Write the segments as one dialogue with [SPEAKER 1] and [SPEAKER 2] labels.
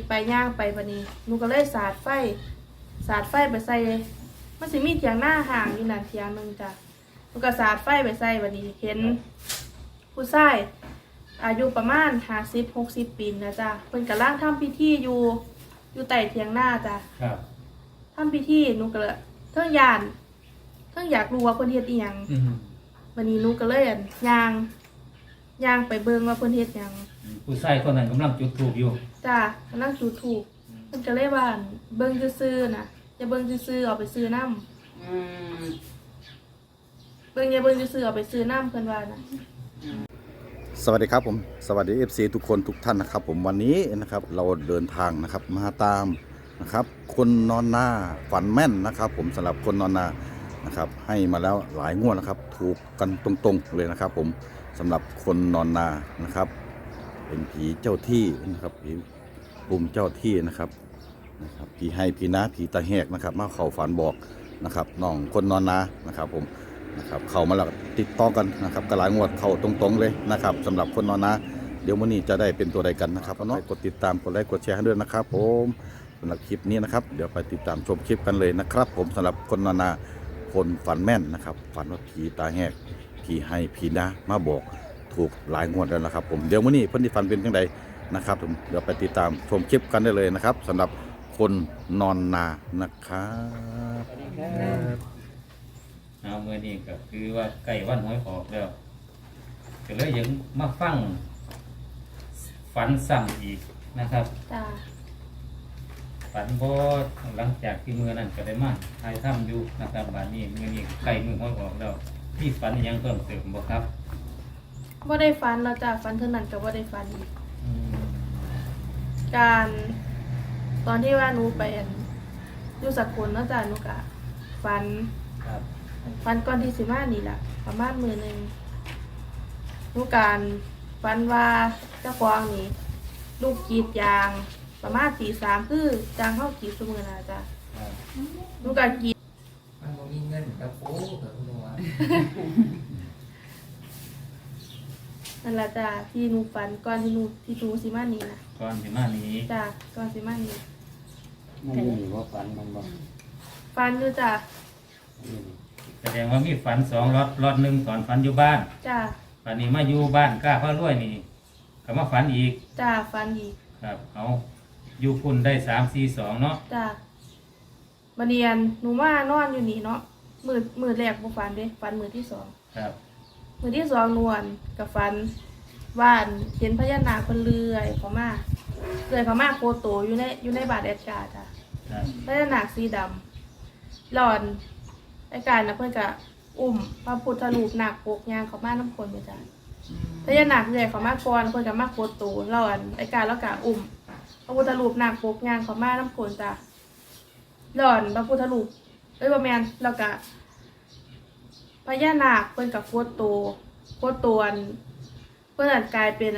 [SPEAKER 1] ไปย่างไปบัดนี้หนูก็เลยสาดไฟไปใส่มันสิมีเถียงหน้าห่างอยู่นั่นเถียงนึงจ้ะหนูก็สาดไฟไปใส่บัดนี้เห็นผู้ชายอายุประมาณ50-60 ปีนะจ้ะเพิ่นกำลังทำพิธีอยู่ใต้เถียงหน้าจ้ะ
[SPEAKER 2] ครับ
[SPEAKER 1] ทำพิธีหนูก็เลยเทิงยานเทิงอยากรู้ว่าเพิ่นเฮ็ดอีหยังวันนี้หนูก็เลยย่างไปเบิ่งว่าเพิ่นเฮ็ดหยัง
[SPEAKER 2] ผู้ชายคนนั้นกำลังจุดธูปอยู่
[SPEAKER 1] จ้ากำลังจุดธูปเพิ่นก็เลยว่าเบิ่งซื่อๆน่ะอย่าเบิ่งซื่อๆเอาไปซื้อน้ำเบิ่งอย่าเบิ่งซื่อๆเอาไปซื้อน้ำเพิ่นว่าน่ะ
[SPEAKER 3] สวัสดีครับผมสวัสดี FC ทุกคนทุกท่านนะครับผมวันนี้นะครับเราเดินทางนะครับมาตามนะครับคนนอนนาฝันแม่นนะครับผมสำหรับคนนอนนานะครับให้มาแล้วหลายงวดนะครับถูกกันตรงๆเลยนะครับผมสำหรับคนนอนนานะครับเป็นผีเจ้าที่นะครับผีปุ่มเจ้าที่นะครับผีให้ผีน้าผีตาแหกนะครับมาเข้าฝันบอกนะครับน้องคนนอนนานะครับผมนะครับเข้ามาแล้วติดต่อกันนะครับกระหลายงวดเข้าตรงๆเลยนะครับสำหรับคนนอนนาเดี๋ยววันนี้จะได้เป็นตัวใดกันนะครับน้องกดติดตามกดไลค์กดแชร์ให้ด้วยนะครับผมสำหรับคลิปนี้นะครับเดี๋ยวไปติดตามชมคลิปกันเลยนะครับผมสำหรับคนนอนนาคนฝันแม่นนะครับฝันว่าผีตาแหกผีให้ผีน้ามาบอกถูกหลายงวดแล้วนะครับผมเดี๋ยววันนี้เพิ่นที่ฝันเป็นจังใดนะครับผมเดี๋ยวไปติดตามชมคลิปกันได้เลยนะครับสำหรับคนนอนนานะครับ
[SPEAKER 2] เอาเมื่อนี้ก็คือว่าใกล้วันหวยออกแล้วก็เลยยังมาฟังฝันซ้ำอีกนะครับ
[SPEAKER 1] จ้า
[SPEAKER 2] ฝันบ่หลังจากที่มือนั้นก็ได้มาถ่ายทำอยู่นะครับบัดนี้มื้อนี้ใกล้มือหวยออกแล้วมีฝันอีหยังเพิ่มเติมบ่ครับ
[SPEAKER 1] บ่ได้ฝันแล้วจ้าฝันเท่านั้นก็บ่ได้ฝันอีกการตอนที่ว่าหนูไปอยู่สกลเนาะจ้าหนูก็ฝัน
[SPEAKER 2] ครับ
[SPEAKER 1] ฝันก่อนที่สิมานี่ล่ะประมาณมื้อนึงหนูการฝันว่าเจ้าของนี่ลูกกรีดยางประมาณตี 3คือจางเฮากรีดซุมื้อน่ะจ้ะหนูก็กรีด
[SPEAKER 4] มันบ่มีเงินกับปูกับหนู
[SPEAKER 1] นั่นล่ะจ้ะที่หนูฝันก่อนที่หนูสิมานี่น่ะ
[SPEAKER 2] ก่อนสิมานี้
[SPEAKER 1] จ้ะก่อนสิมานี่
[SPEAKER 4] มันมีว่าฝันมันบ่
[SPEAKER 1] ฝันอยู่จ้ะ
[SPEAKER 2] แสดงว่ามีฝัน2ล็อตนึงตอนฝันอยู่บ้าน
[SPEAKER 1] จ้ะ
[SPEAKER 2] ฝันนี้มาอยู่บ้านกล้าพระรวยนี่ก็มาฝันอีก
[SPEAKER 1] จ้ะฝันอีก
[SPEAKER 2] ครับเอาอยู่พุ่นได้342เนาะ
[SPEAKER 1] จ้ะบัดนี้หนูมานอนอยู่นี่เนาะมื้อแรกบ่ฝันเด้ฝันมื้อที่2
[SPEAKER 2] ครับ
[SPEAKER 1] มื้อที่2นวลกับฝันว่าเห็นพญานาคเพิ่นเลื้อยเข้ามาโคโตอยู่ในบาดแอดการ์จ้ะพญานาคสีดำหลอนไอ้การน่ะเพิ่นก็อุ้มพระพุทธรูปนาคปกย่างเข้ามาน้ำคนไปจ้ะพญานาคเลื้อยเข้ามาก่อนเพิ่นก็มาโคโตหลอนไอ้การแล้วก็อุ้มพระพุทธรูปนาคปกย่างเข้ามาน้ำคนจ้ะหลอนพระพุทธรูปบ่แม่นแล้วก็พญานาคเพิ่นก็โคโตเพิ่นกลายเป็น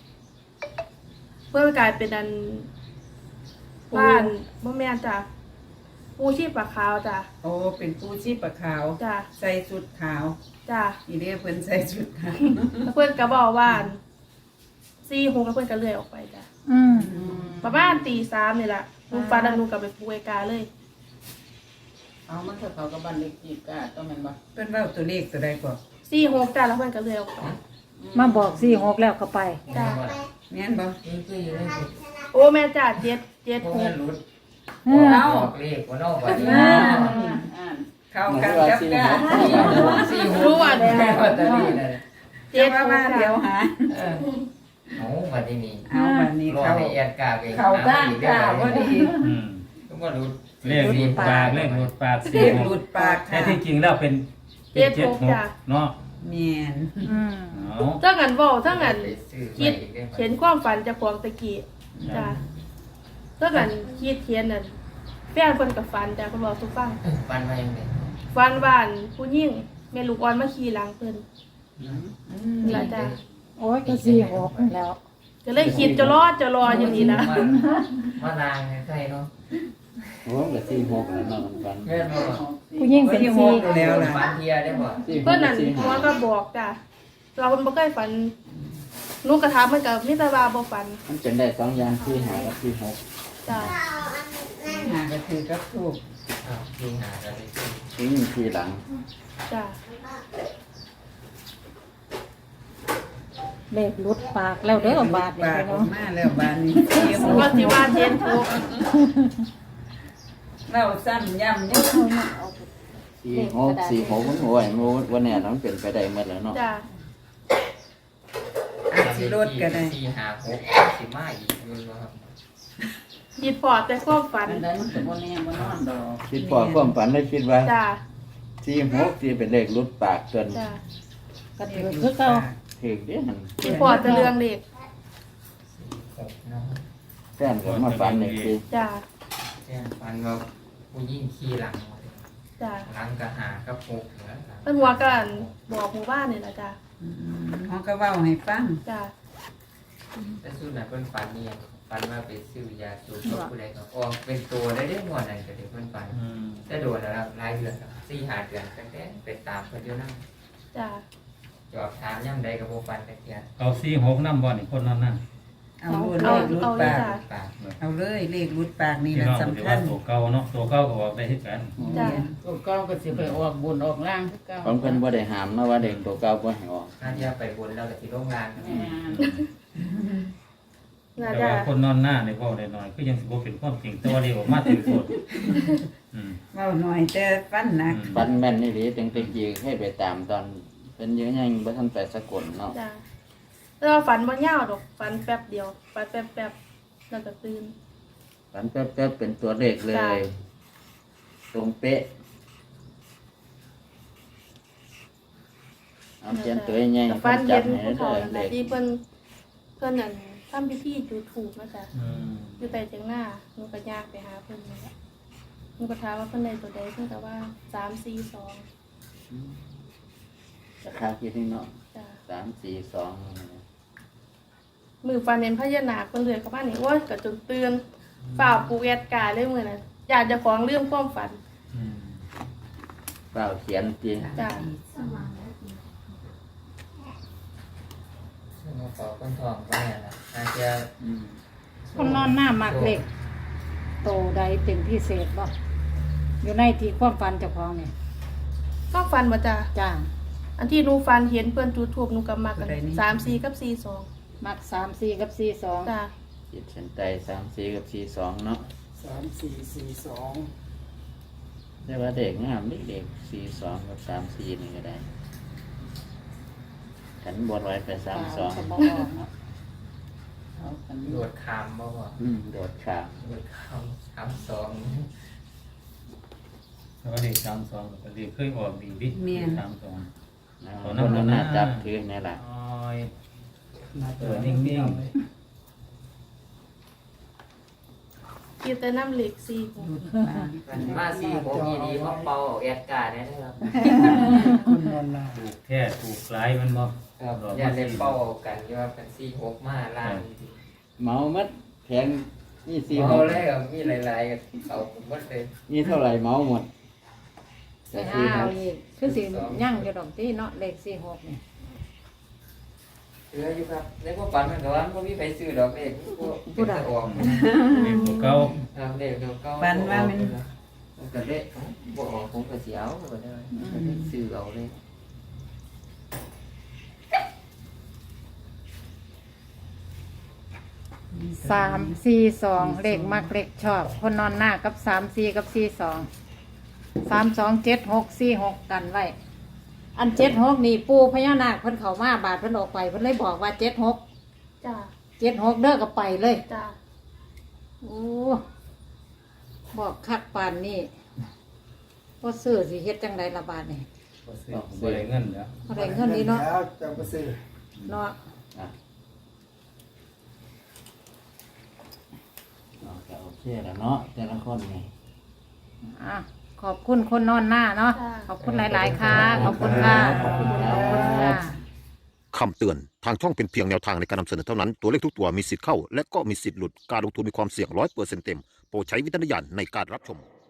[SPEAKER 1] บ้านบ่แม่นจ้ะปูชีพปลาขาวจ้ะ
[SPEAKER 5] โอ้เป็นปูชีพปลาขาว
[SPEAKER 1] จ้ะ
[SPEAKER 5] ใส่ชุดขาว
[SPEAKER 1] จ้ะ
[SPEAKER 5] อีเด้เพิ่นใส่ชุดขาว
[SPEAKER 1] เพิ่นก็บอกว่า46แล้วเพิ่นก็เลื่อยออกไปจ้ะประมาณตี 3นี่ล่ะหนูฝันแล้วหนูก็ไปปูไอ้กาเลย
[SPEAKER 4] เอามันเขากับบ้านเล็กจีบกะต้องแม่นบ่
[SPEAKER 5] เพิ่นเว้าตัวเลขตัวใดก่อน
[SPEAKER 1] 46จ้ะแล้วเพิ่นก็เลื่อยออกไป
[SPEAKER 6] มาบอก46แล้วก็ไป
[SPEAKER 1] จ้ะ
[SPEAKER 5] แม่นบ่
[SPEAKER 4] คืออยู่ในสุด
[SPEAKER 1] โอ้แม่จ้ะ7
[SPEAKER 4] 6
[SPEAKER 5] เอา
[SPEAKER 4] เลขบ่เนาะบัดนี้
[SPEAKER 5] เข้ากันกับกะ
[SPEAKER 4] รู้ว่าแม่ว่าตะนี่น่ะ
[SPEAKER 5] เจ็ดว่าเดี๋ยวหา
[SPEAKER 4] เอาบัดนี้
[SPEAKER 5] เอาบัดนี้
[SPEAKER 4] รอให้แอดกาไป
[SPEAKER 5] เข้าด้านกะบ่ดี
[SPEAKER 4] ก็บ่รู้
[SPEAKER 2] เลขหลุดปากเลขหลุดปาก
[SPEAKER 5] เลขหลุดปาก
[SPEAKER 2] แต่ที่จริงแล้วเป็น76เนาะ
[SPEAKER 5] แม่น
[SPEAKER 1] ถ้างั้นเว้าถ้างั้นคิดเขียนความฝันเจ้าของตะกี้จ้ะถ้างั้นคิดเขียนนั่นแฟนเพิ่นก็ฝันจ้ะเพิ่นบอกทุกฟัง
[SPEAKER 4] ฝันว่าจังได๋
[SPEAKER 1] ฝันว่าผู้หญิงแม่ลูกอ่อนมาขี่หลังเพิ่นนี่ล่ะจ้ะ
[SPEAKER 6] โอ้ยก็46แล้ว
[SPEAKER 1] ก็เลยคิดจะรออยู่นี่นะ
[SPEAKER 4] มานางใช่เนาะ
[SPEAKER 7] โอ้ก็46แล้วเนาะฝัน
[SPEAKER 4] แม่นบ่
[SPEAKER 6] ผู้หญิงเป็น
[SPEAKER 5] 46แล้วล่ะ
[SPEAKER 4] ฝันเที่ยได้บ่
[SPEAKER 1] เพิ่นนั่นหัวก็บอกจ้ะเราเพิ่นบ่เคยฝันหนูกระถามมันกับมิตรบาบ่ฝัน
[SPEAKER 7] มันเป็นได้2อย่างที่หากับที่หก
[SPEAKER 1] จ้า
[SPEAKER 5] หาก็คือกับถูก
[SPEAKER 7] ที่นี่ที่หลัง
[SPEAKER 1] จ้า
[SPEAKER 6] เลขหลุดปากแล้วเด้อบาทนี่
[SPEAKER 5] ปาก
[SPEAKER 6] พี่
[SPEAKER 5] อ
[SPEAKER 6] น้
[SPEAKER 5] อ
[SPEAKER 6] อก ง
[SPEAKER 5] มาแล้วบานนี้
[SPEAKER 1] ว่าสิว่าเจนถูก
[SPEAKER 5] เราซ้ำย้ำนี่
[SPEAKER 7] 46 46มันโอ้ยมันวันนี้มันเป็นไปได้หมดแล้วเนาะ
[SPEAKER 1] จ้า
[SPEAKER 5] อาจสิรถก็ได้
[SPEAKER 8] 4 5 6สิมาอีกอยู่บ่ครับ
[SPEAKER 1] คิดพอแต่ความฝัน
[SPEAKER 4] อันใดมันก็บ่แน่บ่นอนดอก
[SPEAKER 7] คิดพอความฝันได้คิดว่า
[SPEAKER 1] จ้า
[SPEAKER 7] 46ที่เป็นเลขหลุดปากจน
[SPEAKER 1] จ้า
[SPEAKER 6] ก็ถือคือเก่า
[SPEAKER 7] ถึกเด้หั่น
[SPEAKER 1] คิดพอแต่เรื่องเด็ก
[SPEAKER 8] 6เนาะ
[SPEAKER 7] แฟนก็มาฝันอีกที
[SPEAKER 1] จ้า
[SPEAKER 8] แจ้งฟันว่าผู้หญิงขี่หลัง
[SPEAKER 1] จ้า
[SPEAKER 8] หลังก็หากับ6แล้วครับ
[SPEAKER 1] เพิ่นหัวกันบอกหมู่บ้านนี่ล่ะจ้า
[SPEAKER 5] เขาก็เว้าให้ฟัง
[SPEAKER 1] จ้า
[SPEAKER 8] แต่สุดน่ะเพิ่นฝันนี่ฝันว่าไปซื้อยาสูบกับผู้ใดก็ออกเป็นตัวได้หมดนั่นก็ได้เพิ่นฝัน
[SPEAKER 2] อืม
[SPEAKER 8] แต่โดนแล้วครับหลายเดือนครับ4-5 เดือนตั้งแต่ไปตามเพิ่นอยู่นำ
[SPEAKER 1] จ้า
[SPEAKER 8] จอบถามย่ำใดก็บ่ฝันจักเที่ย
[SPEAKER 2] เอา46นำบ่นี่คนนั้นน่ะ
[SPEAKER 5] เอาเลขรุดปาก
[SPEAKER 8] ปาก
[SPEAKER 5] เอาเลยเลขรุดปากนี่
[SPEAKER 2] พี่
[SPEAKER 5] แหละ
[SPEAKER 2] น้องก็สิ
[SPEAKER 5] สำคั
[SPEAKER 2] ว่า
[SPEAKER 5] ญ
[SPEAKER 2] ตัวเก่าเนาะตัวเก่าก็ออกได้คือกัน
[SPEAKER 1] จ้า
[SPEAKER 4] ตัวเก่าก็สิไปออกบนออกล่างคือเก่า
[SPEAKER 7] ของเพิ่นบ่ได้ห้ามนะว่าเด็กตัวเก่าบ่ให้ออก
[SPEAKER 8] ถ้าที่ไปบนแล้วก็สิโรงงาน
[SPEAKER 4] แม่น
[SPEAKER 1] น่า
[SPEAKER 2] แต่
[SPEAKER 1] จะ
[SPEAKER 2] ว่าคนนอนหน้าในเว้าได้น้อยคือยังสิบ่เป็นความจริงแต่ว่าเรียกออกมาถือโทษอืม
[SPEAKER 5] เว้าหน่อยแต่ฟันหนัก
[SPEAKER 7] ฝันแม่นนี่หลีจังตะกี้ให้ไปตามตอนเพิ่นยังบ่ทันไปสกลเนาะ
[SPEAKER 1] จ้าแล้วาฝันบ่ยาวดอกฝันแป๊บเดียวฝันแป๊บๆแล้วก็ตื่น
[SPEAKER 7] ฝันแป๊บๆเป็นตัวเลขเล
[SPEAKER 1] จ้ะ
[SPEAKER 7] ย ตรงเป๊ะเอาเขียนตัวใหญ่
[SPEAKER 1] แต่
[SPEAKER 7] ๆ
[SPEAKER 1] ฟัน
[SPEAKER 7] จั
[SPEAKER 1] เย็
[SPEAKER 7] บ
[SPEAKER 1] น
[SPEAKER 7] ให้
[SPEAKER 1] ผู้
[SPEAKER 7] ได้
[SPEAKER 1] เฒ่านั่น
[SPEAKER 7] เล
[SPEAKER 1] น่ะ
[SPEAKER 7] ข
[SPEAKER 1] ที่เพิ่นนั่นทำพิธีจุดธูปนะจ๊ะ
[SPEAKER 2] อืม
[SPEAKER 1] อยู่ใต้เตียงหน้าหนูก็ยากไปหาเพิ่นนี่แหละหนูก็ถามว่าเพิ่นได้ตัวใดเพิ่นก็ว่า342
[SPEAKER 7] ราคาคิดนี่เนาะ
[SPEAKER 1] จ้ะ
[SPEAKER 7] 342
[SPEAKER 1] มือฟันเห็นพญานาคเพิ่นเลื้อยเข้ามานี่โอ้ยก็จนตื่นฝ่าวปูแอดกาเลยมื้อนั้นอยากจะฟ้องเรื่องความฝัน
[SPEAKER 2] อืม
[SPEAKER 7] เปล่าเขียนจริง
[SPEAKER 1] จ้ะ
[SPEAKER 8] ซึ่งเขาขอคนทองไปนะอาจจะ
[SPEAKER 6] คนนอนหน้ามักเลขโตใดเป็นพิเศษบ่อยู่ในที่ความฝันเจ้าของนี่
[SPEAKER 1] ก็ฝันบ่จ้ะ
[SPEAKER 6] จ้า
[SPEAKER 1] อันที่หนูฝันเห็นเพิ่นจุดธูปหนูก็มักกัน34กับ42
[SPEAKER 6] มัก3-4กับ4-2
[SPEAKER 1] จ้ะ
[SPEAKER 7] ขีดเส้นใต้34กับ42เนาะ
[SPEAKER 4] 3442
[SPEAKER 7] แต่ว่าเด็กงามเด็ก42กับ34นี่ก็ได้ขันบนไว้ไป
[SPEAKER 6] ก็
[SPEAKER 7] 32
[SPEAKER 6] บ่ออกเนาะ
[SPEAKER 4] เอากัน
[SPEAKER 8] โดดขามบ่บ่
[SPEAKER 7] โดดขาด
[SPEAKER 8] โดดขาม32
[SPEAKER 2] แล้วก็เลข32ก็เลขเคยออกดีดิ32
[SPEAKER 7] นะคนนั้นน่าจับถือนี่แหละ
[SPEAKER 2] อ้อยนิ่ง
[SPEAKER 1] คิดแต่น้ำเหล็ก4
[SPEAKER 5] รุดปาก
[SPEAKER 8] มา46อีดีมาเป่าแอดการ์ได้ครับ
[SPEAKER 4] คนนอนลา
[SPEAKER 2] ๆถูกแท้ถูกหลายมันบ่
[SPEAKER 8] ครับอย่าได้เป่ากันที่ว่าเป็น46มาล้าน
[SPEAKER 7] เมามัดแพงนี่
[SPEAKER 8] เอา
[SPEAKER 7] 46
[SPEAKER 8] เลยมีหลายๆกันเอาผมหมดเลย
[SPEAKER 7] นี่เท่าไหร่เมาหมด
[SPEAKER 6] ไปหาเอาอีกคือสิยั่งอยู่ดอกที่เนาะเลข46นี่
[SPEAKER 8] เหลืออยู่ครับในพวกฝันมันก็ว่าบ่มีใครซื้อดอกเลขพวกเป็นตะออก
[SPEAKER 2] เลขตัวเก่า
[SPEAKER 8] ครับเลขเดียวก็
[SPEAKER 5] ฟันว่ามัน
[SPEAKER 8] ก็เลขบ่ออกผมก็สิเอาก็ได้ซื้อเอาเลย
[SPEAKER 6] 3-4-2เลขมักเลขชอบ คนนอนหน้ากับ3-4กับ4-2 3-2-7-6-4-6กันไว้ อัน7-6นี่ปูพญานาคเพิ่นเข้ามาบาดเพิ่นออกไปเพิ่นเลยบอกว่า7-6
[SPEAKER 1] จ้ะ
[SPEAKER 6] 7-6เด้อก็ไปเลย
[SPEAKER 1] จ้ะ
[SPEAKER 6] โอ้บอกคักปานนี่บ่ซื้อสิเฮ็ดจังไดล่ะบาดนี่
[SPEAKER 2] บ่ซื้อบ่ได้เงินแล้ว
[SPEAKER 6] บ่ได้เงินนี่เนาะ
[SPEAKER 4] แล้วจะไปซื้อ
[SPEAKER 6] เนาะ
[SPEAKER 7] อ่ะเอาก็โอเคแล้วเนาะแต่ละคนนี่
[SPEAKER 6] อ่ะขอบคุณคนนอนหน้าเนาะขอบคุณหลายๆค่ะขอบคุณค่ะขอบคุณค่ะ
[SPEAKER 9] คำเตือน ทางช่องเป็นเพียงแนวทางในการนำเสนอเท่านั้น ตัวเลขทุกตัวมีสิทธิ์เข้า และก็มีสิทธิ์หลุด การลงทุนมีความเสี่ยง100%เต็ม โปรดใช้วิจารณญาณในการรับชม